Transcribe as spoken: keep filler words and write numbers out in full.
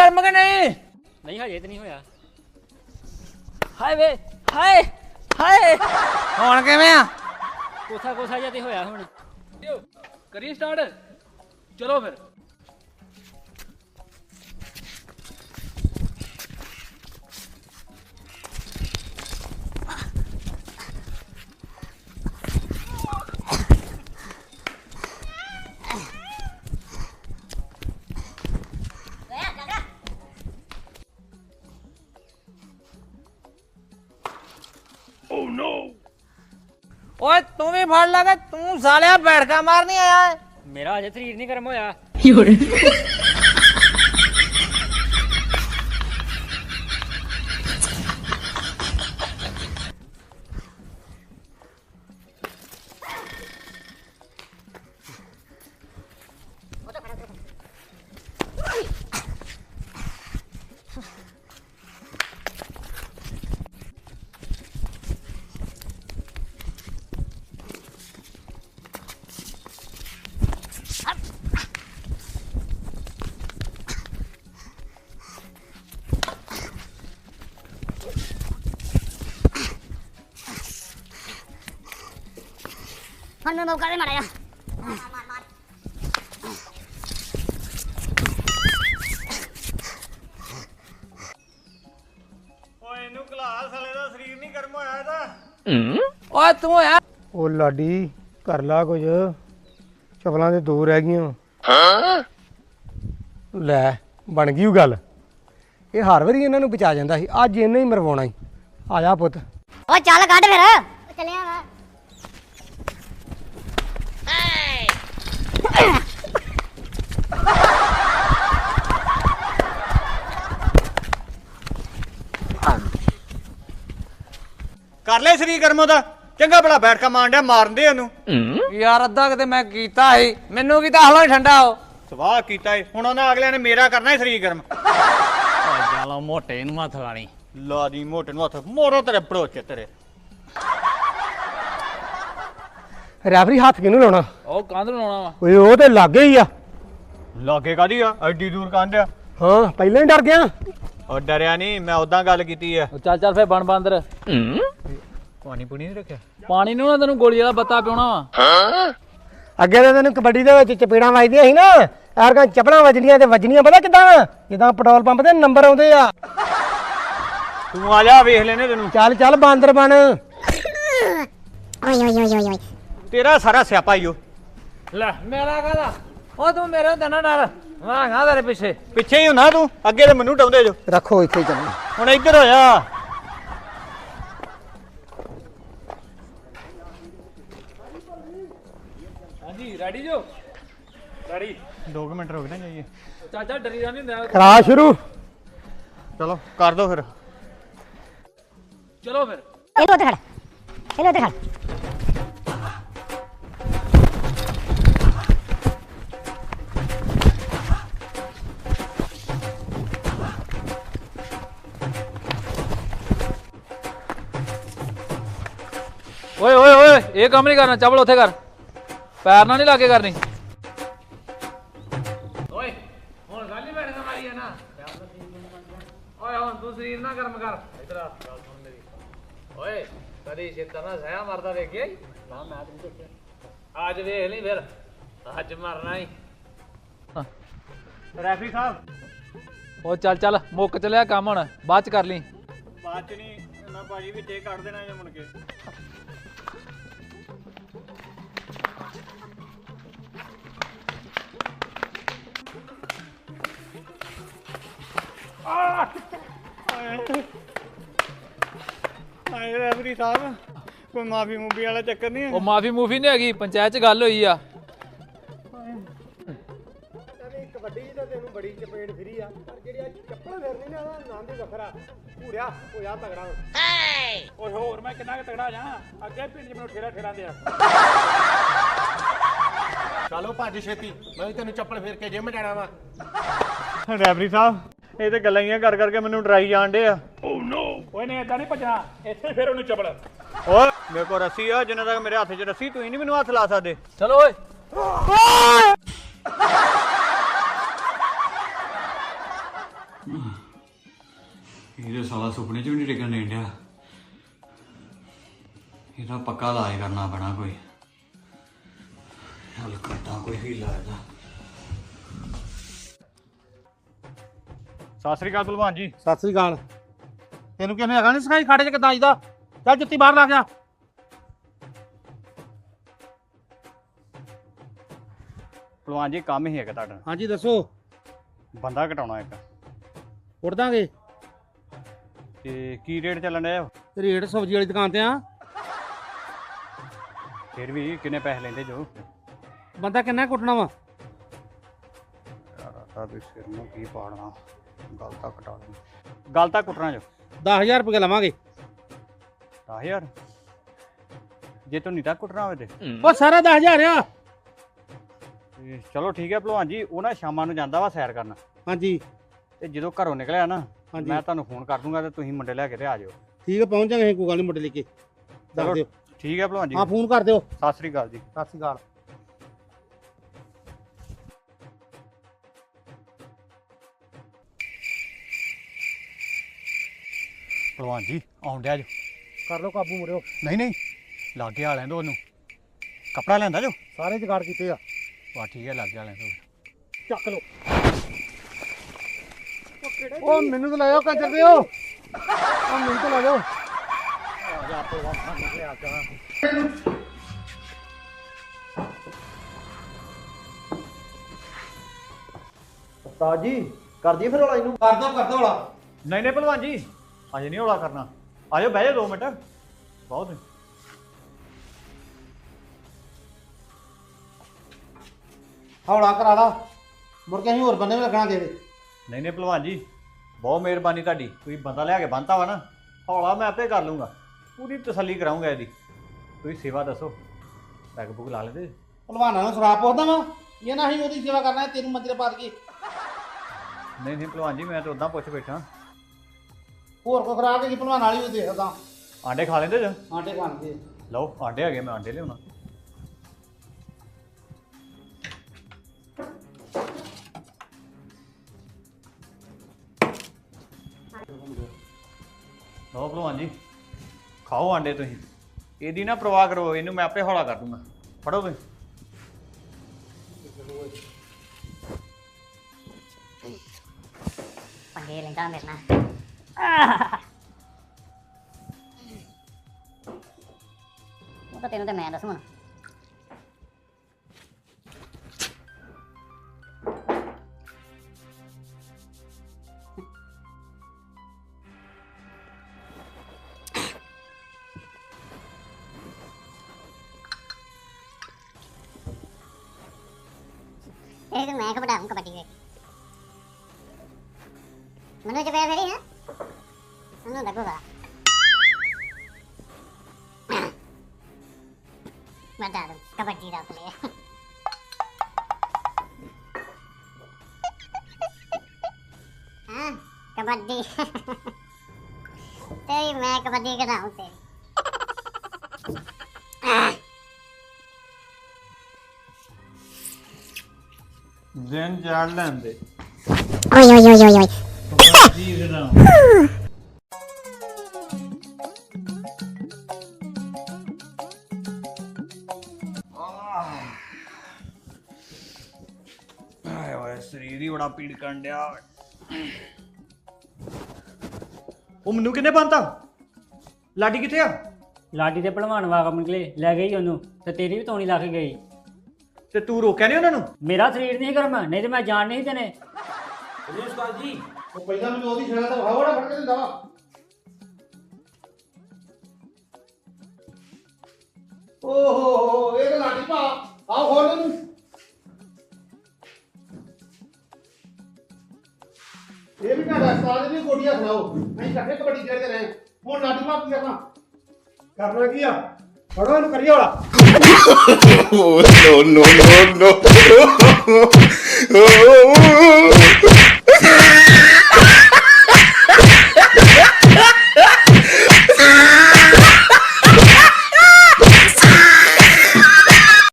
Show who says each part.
Speaker 1: ਗਰਮ ਕਿ ਨਹੀਂ?
Speaker 2: ਨਹੀਂ ਹਜੇ ਤੇ ਨਹੀਂ ਹੋਇਆ।
Speaker 1: ਹਾਏ ਵੇ ਹਾਏ ਹਾਏ ਹੁਣ ਕਿਵੇਂ ਆ?
Speaker 2: ਕੋਸਾ ਕੋਸਾ ਜਿਹਾ ਤੇ ਹੋਇਆ ਹੁਣ।
Speaker 1: ਕਰੀ ਸਟਾਰਟ। ਚਲੋ ਫਿਰ। ਓਏ ਤੂੰ ਵੀ ਫੜ ਲਗਾ, ਤੂੰ ਸਾਲਿਆ ਬੈਠਕਾ ਮਾਰ ਨਹੀਂ ਆਇਆ।
Speaker 2: ਮੇਰਾ ਅਜੇ ਸਰੀਰ ਨਹੀਂ ਗਰਮ ਹੋਇਆ।
Speaker 3: ਹੁਣ ਮੈਂ ਮੌਕਾ ਦੇ ਮਾਰਿਆ।
Speaker 4: ਓਏ ਇਹਨੂੰ ਕਲਾ ਸਾਲੇ ਦਾ ਸਰੀਰ ਨਹੀਂ ਗਰਮ ਹੋਇਆ ਇਹਦਾ।
Speaker 1: ਓਏ ਤੂੰ ਆ
Speaker 5: ਉਹ ਲਾਡੀ ਕਰ ਲਾ ਕੁਝ, ਚਪਲਾਂ ਤੇ ਦੋ ਰਹਿ ਗਈਆਂ। ਲੈ ਬਣ ਗਈ ਉਹ ਗੱਲ। ਇਹ ਹਰ ਵਾਰੀ ਇਹਨਾਂ ਨੂੰ ਬਚਾ ਜਾਂਦਾ ਸੀ, ਅੱਜ ਇਹਨੇ ਹੀ ਮਰਵਾਉਣਾ ਸੀ। ਆ ਜਾ ਪੁੱਤ।
Speaker 3: ਓ ਚੱਲ ਕੱਢ ਫਿਰ। ਚੱਲਿਆ ਵਾ।
Speaker 4: ਕਰ ਲੈ ਸਰੀਰ ਗਰਮ ਉਹਦਾ। ਚੰਗਾ ਬੜਾ ਬੈਠ ਕੇ ਮਾਰਨ ਡਿਆ, ਮਾਰਨ ਦੇ ਉਹਨੂੰ।
Speaker 1: ਯਾਰ ਅੱਧਾ ਕਿਤੇ ਮੈਂ ਕੀਤਾ ਸੀ, ਮੈਨੂੰ ਕੀ ਤਾਂ ਹਲੋ ਠੰਡਾ ਹੋ
Speaker 4: ਸਵਾਹ ਕੀਤਾ ਏ। ਹੁਣ ਉਹਨਾਂ ਅਗਲਿਆਂ ਨੇ ਮੇਰਾ ਕਰਨਾ ਸਰੀਰ ਗਰਮ।
Speaker 1: ਚਲੋ ਮੋਟੇ ਨੂੰ ਹੱਥ ਲਾਣੀ।
Speaker 4: ਲਾ ਦੀ ਮੋਟੇ ਨੂੰ ਹੱਥ ਮੋਰੋ ਤੇਰੇ ਬੜੋਚੇ ਤੇਰੇ।
Speaker 5: ਰੈਫਰੀ ਹੱਥ ਕਿਹਨੂੰ ਲਾਉਣਾ?
Speaker 1: ਉਹ ਕੰਧ ਨੂੰ ਲਾਉਣਾ ਵਾ।
Speaker 5: ਓਏ ਉਹ ਤੇ ਲਾਗੇ ਹੀ ਆ।
Speaker 4: ਲਾਗੇ ਕਾਦੀ ਆ? ਐਡੀ ਦੂਰ ਕੰਧ ਆ।
Speaker 5: ਹਾਂ ਪਹਿਲਾਂ ਹੀ ਡਰ ਗਿਆ।
Speaker 4: ਉਹ ਡਰਿਆ ਨਹੀਂ, ਮੈਂ ਉਦਾਂ ਗੱਲ ਕੀਤੀ ਆ।
Speaker 1: ਚੱਲ ਚੱਲ ਫੇਰ ਬਣ ਬਾਂਦਰ।
Speaker 4: ਪਾਣੀ ਪੂਣੀ ਨਹੀਂ ਰੱਖਿਆ?
Speaker 1: ਪਾਣੀ ਨੂੰ ਨਾ ਤੈਨੂੰ ਗੋਲੀ ਵਾਲਾ ਬੱਤਾ ਪਿਉਣਾ ਵਾ।
Speaker 5: ਅੱਗੇ ਤਾਂ ਤੈਨੂੰ ਕਬੱਡੀ ਦੇ ਵਿੱਚ ਚਪੇੜਾਂ ਵੱਜਦੀਆਂ ਸੀ ਨਾ, ਐਰਕਾਂ ਚੱਪਲਾਂ ਵੱਜਣੀਆਂ ਤੇ ਵੱਜਣੀਆਂ ਪਤਾ ਕਿੱਦਾਂ? ਜਿੱਦਾਂ ਪੈਟਰੋਲ ਪੰਪ ਤੇ ਨੰਬਰ ਆਉਂਦੇ ਆ।
Speaker 4: ਤੂੰ ਆ ਜਾ ਵੇਖ ਲੈਨੇ ਤੈਨੂੰ।
Speaker 5: ਚੱਲ ਚੱਲ ਬਾਂਦਰ ਬਣ।
Speaker 3: ਓਏ ਓਏ ਓਏ ਓਏ ਓਏ।
Speaker 4: ਤੇਰਾ ਸਾਰਾ ਸਿਆਪਾ ਹੀ ਓ।
Speaker 1: ਲੈ ਮੇਰਾ ਕਾਹਦਾ? ਉਹ ਤੂੰ ਮੇਰੇ ਹੁੰਦੇ ਨਾ ਡਰ, ਮੈਂ ਹਾਂ ਤੇਰੇ ਪਿੱਛੇ।
Speaker 4: ਪਿੱਛੇ ਹੀ ਹੁਣਾ ਤੂੰ, ਅੱਗੇ ਤੇ ਮੈਨੂੰ ਡਾਉਂਦੇ ਜੋ।
Speaker 5: ਰੱਖੋ ਇੱਥੇ ਚੱਲ।
Speaker 4: ਹੁਣ ਇੱਧਰ ਹੋਇਆ।
Speaker 1: ਹਾਂਜੀ ਰੈਡੀ ਜੋ? ਰੈਡੀ।
Speaker 4: ਦੋ ਕੁ ਮਿੰਟ ਰੁਕ ਨਾ ਜਾਈਏ।
Speaker 1: ਚਾਚਾ ਡਰੀ ਦਾ ਨਹੀਂ ਹੁੰਦਾ।
Speaker 5: ਕਰਾ ਸ਼ੁਰੂ।
Speaker 4: ਚਲੋ ਕਰ ਦੋ ਫਿਰ।
Speaker 1: ਚਲੋ ਫਿਰ।
Speaker 3: ਇਹਨੂੰ ਉੱਤੇ ਖੜ। ਇਹਨੂੰ ਉੱਤੇ ਖੜ।
Speaker 1: ਓਏ ਓਏ ਓਏ ਇਹ ਕੰਮ ਨਹੀਂ ਕਰਨਾ, ਚੱਪਲ ਉੱਥੇ ਕਰ, ਪੈਰ ਨਾਲ ਨਹੀਂ ਲਾ ਕੇ ਕਰਨੀ। ਓਏ ਹੁਣ ਗੱਲ ਹੀ ਬੈਠ ਕੇ ਮਾਰੀ ਹੈ ਨਾ। ਓਏ ਹੁਣ ਤੂੰ ਸਰੀਰ ਨਾ ਗਰਮ ਕਰ। ਇਧਰ ਆ ਗੱਲ ਸੁਣ ਮੇਰੀ। ਓਏ ਕਦੀ ਛੇਤਰ ਨਾ ਸਹਿਆ ਮਰਦਾ ਵੇਖਿਆ? ਨਾ ਮੈਂ ਤੈਨੂੰ ਦੇਖਿਆ। ਅੱਜ ਵੇਖ ਲਈ ਫਿਰ, ਅੱਜ ਮਰਨਾ ਹੀ।
Speaker 4: ਰੈਫਰੀ ਸਾਹਿਬ।
Speaker 1: ਓ ਚੱਲ ਚੱਲ ਮੁੱਕ ਚਲਿਆ ਕੰਮ, ਹੁਣ ਬਾਅਦ ਚ ਕਰ ਲਈ।
Speaker 4: ਬਾਅਦ ਚ ਨਹੀਂ, ਮੈਂ ਭਾਜੀ ਵਿੱਚ ਇਹ ਕੱਢ ਦੇਣਾ ਜੇ ਮੁੜ ਕੇ। ਹਾਏ ਰੈਫਰੀ ਸਾਹਿਬ, ਕੋਈ ਮਾਫੀ ਮੂਫੀ ਵਾਲਾ ਚੱਕਰ ਨਹੀਂ ਹੈ?
Speaker 1: ਉਹ ਮਾਫੀ ਮੂਫੀ ਨਹੀਂ ਹੈਗੀ, ਪੰਚਾਇਤ ਚ ਗੱਲ ਹੋਈ ਆ।
Speaker 5: ਕਬੱਡੀ ਤਾਂ ਤੈਨੂੰ ਬੜੀ ਚਪੇੜ ਫਿਰੀ ਆ, ਪਰ ਜਿਹੜੀ ਆ ਚੱਪਲ ਫਿਰਨੀ ਨਾ ਉਹਦਾ ਨਾਮ ਵੀ ਵੱਖਰਾ। ਪੂਰਿਆ ਹੋ ਜਾ ਤਗੜਾ।
Speaker 1: ਓਏ ਹੋਰ ਮੈਂ ਕਿੰਨਾ ਕੁ ਤਗੜਾ ਜਾ, ਅੱਗੇ ਪਿੰਡ ਚ ਮੈਨੂੰ ਠੇਰਾ ਠੇਰਾ ਦਿਆ।
Speaker 5: ਚਲੋ ਭੱਜ ਛੇਤੀ, ਮੈਂ ਵੀ ਤੈਨੂੰ ਚੱਪਲ ਫੇਰ ਕੇ ਜਿਮ ਜਾਣਾ ਵਾ।
Speaker 4: ਰੈਫਰੀ ਸਾਹਿਬ ਇਹ ਤੇ ਗੱਲਾਂ ਹੀ ਕਰ ਕਰਕੇ ਮੈਨੂੰ ਡਰਾਈ ਜਾਣ ਡੇ ਆ।
Speaker 1: ਓ ਨੋ। ਓਏ ਨਹੀਂ ਏਦਾਂ ਨਹੀਂ ਭੱਜਣਾ, ਇੱਥੇ ਫੇਰ ਉਹਨੂੰ ਚੱਪਲ।
Speaker 4: ਓਏ ਮੇਰੇ ਕੋਲ ਰੱਸੀ ਆ, ਜਿੰਨਾ ਤੱਕ ਮੇਰੇ ਹੱਥ 'ਚ ਰੱਸੀ ਤੁਸੀਂ ਨਹੀਂ ਮੈਨੂੰ ਹੱਥ ਲਾ ਸਕਦੇ।
Speaker 1: ਚਲੋ ਓਏ।
Speaker 4: ਇਹਦੇ ਸਾਲਾ ਸੁਪਨੇ 'ਚ ਵੀ ਨਹੀਂ ਟਿਕਣ ਦੇਣ ਡਿਆ। ਇਹਦਾ ਪੱਕਾ ਇਲਾਜ ਕਰਨਾ ਪੈਣਾ ਕੋਈ। ਹਲ ਕਰਦਾ ਕੋਈ ਹੀਲਾ ਇਹਦਾ। ਸਤਿ ਸ੍ਰੀ ਅਕਾਲ ਭਲਵਾਨ ਜੀ।
Speaker 5: ਸਤਿ ਸ੍ਰੀ ਅਕਾਲ। ਤੈਨੂੰ ਕਿਹਨੇ ਹੈਗਾ ਨਹੀਂ ਸਿਖਾਈ ਖਾੜੇ 'ਚ ਕਿੱਦਾਂ ਆਈਦਾ? ਚੱਲ ਜੁੱਤੀ ਬਾਹਰ ਲਾ ਗਿਆ।
Speaker 4: ਭਲਵਾਨ ਜੀ ਕੰਮ ਹੀ ਹੈਗਾ ਤੁਹਾਡਾ।
Speaker 5: ਹਾਂਜੀ ਦੱਸੋ।
Speaker 4: ਬੰਦਾ ਘਟਾਉਣਾ ਇੱਕ।
Speaker 5: ਉੱਡ ਦਾਂਗੇ।
Speaker 4: ਤੇ ਕੀ ਰੇਟ ਚੱਲਣ ਡਿਆ?
Speaker 5: ਰੇਟ ਸਬਜ਼ੀ ਵਾਲੀ ਦੁਕਾਨ ਤੇ ਆ।
Speaker 4: ਫਿਰ ਵੀ ਕਿੰਨੇ ਪੈਸੇ ਲੈਂਦੇ ਜੋ?
Speaker 5: ਬੰਦਾ ਕਿੰਨਾ ਕੁੱਟਣਾ ਵਾ?
Speaker 4: ਯਾਰ ਵੀ ਸਿਰ ਨੂੰ ਕੀ ਪਾੜਨਾ। ਗੱਲ ਤਾਂ ਘਟਾ ਦੇ। ਗੱਲ ਤਾਂ ਕੁੱਟਣਾ ਜੋ।
Speaker 5: ਦਸ ਹਜ਼ਾਰ ਰੁਪਏ ਲਵਾਂਗੇ।
Speaker 4: ਦਸ ਹਜ਼ਾਰ ਜੇ ਤੂੰ ਨਹੀਂ ਤਾਂ ਕੁੱਟਣਾ ਹੋਵੇ ਤੇ
Speaker 5: ਉਹ ਸਾਰਾ ਦਸ ਹਜ਼ਾਰ ਆ।
Speaker 4: ਤੇ ਚਲੋ ਠੀਕ ਹੈ ਭਲਵਾਨ ਜੀ। ਉਹ ਨਾ ਸ਼ਾਮਾਂ ਨੂੰ ਜਾਂਦਾ ਵਾ ਸੈਰ ਕਰਨ।
Speaker 5: ਹਾਂਜੀ
Speaker 4: ਤੇ ਜਦੋਂ ਘਰੋਂ ਨਿਕਲਿਆ ਨਾ
Speaker 5: ਹਾਂਜੀ
Speaker 4: ਮੈਂ ਤੁਹਾਨੂੰ ਫੋਨ ਕਰ ਦੂੰਗਾ ਤੇ ਤੁਸੀਂ ਮੁੰਡੇ ਲੈ ਕੇ ਤੇ ਆ ਜਾਓ।
Speaker 5: ਠੀਕ ਹੈ ਪਹੁੰਚ ਜਾਗੇ। ਕੋਈ ਗੱਲ ਨਹੀਂ ਮੁੰਡੇ ਲੈ ਕੇ ਦੱਸ
Speaker 4: ਚਲੋ
Speaker 5: ਦਿਓ।
Speaker 4: ਠੀਕ ਹੈ ਭਲਵਾਨ ਜੀ।
Speaker 5: ਹਾਂ ਫੋਨ ਕਰ ਦਿਓ।
Speaker 4: ਸਤਿ ਸ੍ਰੀ ਅਕਾਲ ਜੀ।
Speaker 5: ਸਤਿ ਸ੍ਰੀ ਅਕਾਲ।
Speaker 4: ਭਲਵਾਨ ਜੀ ਆਉਣ ਡਿਆ ਜੋ।
Speaker 5: ਕਰ ਲਓ ਕਾਬੂ ਮੁਰਿਓ।
Speaker 4: ਨਹੀਂ ਨਹੀਂ ਲਾਗੇ ਆ ਲੈਂਦੋ ਉਹਨੂੰ। ਕੱਪੜਾ ਲੈਂਦਾ ਜੋ।
Speaker 5: ਸਾਰੇ ਜੁਗਾੜ ਕੀਤੇ ਆ।
Speaker 4: ਵਾਹ ਠੀਕ ਹੈ ਲਾਗੇ ਆ ਲੈਂਦੋ।
Speaker 5: ਚੱਕ ਲਓ। ਉਹ ਮੈਨੂੰ ਤਾਂ ਲੈ ਜਾਓ ਕੰਜਰ ਦਿਓ। ਉਹ ਮੈਨੂੰ ਤਾਂ ਲੈ ਜਾਓ।
Speaker 6: ਉਸਤਾਦ ਜੀ ਕਰ ਦਈਏ ਫਿਰ ਹੌਲਾ ਇਹਨੂੰ।
Speaker 5: ਕਰ ਦੋ ਕਰ ਦੋ ਹੌਲਾ।
Speaker 4: ਨਹੀਂ ਨਹੀਂ ਭਲਵਾਨ ਜੀ ਅਜੇ ਨਹੀਂ ਹੌਲਾ ਕਰਨਾ। ਆ ਜਾਓ ਬਹਿ ਜਾਓ ਦੋ ਮਿੰਟ। ਬਹੁਤ
Speaker 5: ਹੌਲਾ ਕਰਾ ਲਾ। ਮੁੜ ਕੇ ਅਸੀਂ ਹੋਰ ਬੰਦੇ ਵੀ ਲੱਗਣਾ ਦੇ ਦੇ।
Speaker 4: ਨਹੀਂ ਨਹੀਂ ਭਲਵਾਨ ਜੀ ਬਹੁਤ ਮਿਹਰਬਾਨੀ ਤੁਹਾਡੀ। ਤੁਸੀਂ ਬੰਦਾ ਲਿਆ ਕੇ ਬੰਨਤਾ ਵਾ ਨਾ। ਹੌਲਾ ਮੈਂ ਆਪੇ ਕਰ ਲੂੰਗਾ। ਪੂਰੀ ਤਸੱਲੀ ਕਰਾਉਂਗਾ ਇਹਦੀ। ਤੁਸੀਂ ਸੇਵਾ ਦੱਸੋ। ਪੈਗ ਪੁਗ ਲਾ ਲੈਂਦੇ?
Speaker 5: ਭਲਵਾਨਾਂ ਨੂੰ ਸ਼ਰਾਬ ਪੁੱਛਦਾ ਵਾ। ਇਹ ਨਾ ਅਸੀਂ ਉਹਦੀ ਸੇਵਾ ਕਰਨਾ ਤੈਨੂੰ ਮੰਜਰੇ ਪਾ ਦਈਏ।
Speaker 4: ਨਹੀਂ ਨਹੀਂ ਭਲਵਾਨ ਜੀ ਮੈਂ ਤਾਂ ਉਦਾਂ ਪੁੱਛ ਬੈਠਾ।
Speaker 5: ਹੋਰ ਕੋ ਖਰਾਬ ਹੈਗੀ ਭਲਵਾਨ ਵਾਲੀ ਵੀ ਦੇਖਦਾ।
Speaker 4: ਆਂਡੇ ਖਾ ਲੈਂਦੇ ਜੋ?
Speaker 5: ਆਂਡੇ ਖਾਣਗੇ।
Speaker 4: ਲਓ ਆਂਡੇ ਹੈਗੇ ਮੈਂ ਆਂਡੇ ਲਿਆਉਣਾ। ਲਓ ਭਲਵਾਨ ਜੀ ਖਾਓ ਆਂਡੇ ਤੁਸੀਂ। ਇਹਦੀ ਨਾ ਪਰਵਾਹ ਕਰੋ। ਇਹਨੂੰ ਮੈਂ ਆਪੇ ਹੌਲਾ ਕਰ ਦੂੰਗਾ। ਫੜੋ ਤੁਸੀਂ।
Speaker 3: ਪੰਗੇ ਲੈਂਦਾ ਮੇਰੇ ਨਾਲ। ਉਹ ਤਾਂ ਤੈਨੂੰ ਤੇ ਮੈਂ ਦੱਸੂ ਹੁਣ। ਇਹ ਤਾਂ ਮੈਂ ਕਬੱਡਾ ਕਬੱਡੀ ਵੇਖ ਮੈਨੂੰ ਚ ਪਿਆ ਫੇਰੀ ਹੈ ਉਹਨੂੰ ਲੱਗੂਗਾ। ਮੈਂ ਤਾਂ ਕਬੱਡੀ ਦਾ ਪਲੇਅਰ। ਹਾਂ ਕਬੱਡੀ ਤੇਰੀ ਮੈਂ ਕਬੱਡੀ ਕਰਾਉਂ ਤੇਰੀ।
Speaker 4: ਦਿਨ ਜਾੜ ਲੈਂਦੇ।
Speaker 3: ਓਏ ਓਏ ਓਏ ਓਏ ਓਏ।
Speaker 4: ਜੀ ਜਨਾ ਆਏ ਓਏ ਸਰੀਰ ਹੀ ਬੜਾ ਪੀੜ ਕਰਨ ਡਿਆ। ਉਹ ਮੈਨੂੰ ਕਿੰਨੇ ਬੰਨਤਾ? ਲਾਡੀ ਕਿੱਥੇ ਆ?
Speaker 2: ਲਾਡੀ ਦੇ ਭਲਵਾਨ ਵਾਗਮ ਨਿਕਲੇ ਲੈ ਗਈ ਉਹਨੂੰ ਤੇ ਤੇਰੀ ਵੀ ਤੋਣੀ ਲੱਗ ਗਈ।
Speaker 4: ਤੇ ਤੂੰ ਰੋਕਿਆ ਨਹੀਂ ਉਹਨਾਂ ਨੂੰ?
Speaker 2: ਮੇਰਾ ਸਰੀਰ ਨਹੀਂ ਗਰਮ ਨਹੀਂ ਤੇ ਮੈਂ ਜਾਣ ਨਹੀਂ ਦੇਣੇ।
Speaker 1: ਉਸਤਾਦ ਜੀ
Speaker 5: ਉਹ ਪਹਿਲਾਂ ਮੈਨੂੰ ਉਹਦੀ ਛੇੜਾ ਤਾਂ ਹਵਾੜਾ ਫੜ ਕੇ ਦਿੰਦਾ ਵਾ। ਓਹੋ ਹੋ ਇਹ ਤਾਂ ਲਾਡੀ ਭਾ ਆਓ ਖੋਲ ਇਹਨੂੰ। ਇਹ ਵੀ ਤੁਹਾਡਾ ਉਸਤਾਦ ਦੀ ਗੋਡੀਆਂ ਸੁਣਾਓ। ਅਸੀਂ ਇਕੱਠੇ ਕਬੱਡੀ ਖੇਡਦੇ ਰਹੇ। ਹੁਣ ਲਾਡੀ ਭਾ ਕੀ ਕਰਨਾ? ਕਰਨਾ ਕੀ ਆ? ਫੜੋ ਇਹਨੂੰ ਕਰੀਏ ਵਾਲਾ।
Speaker 7: Oh no no no no! Oh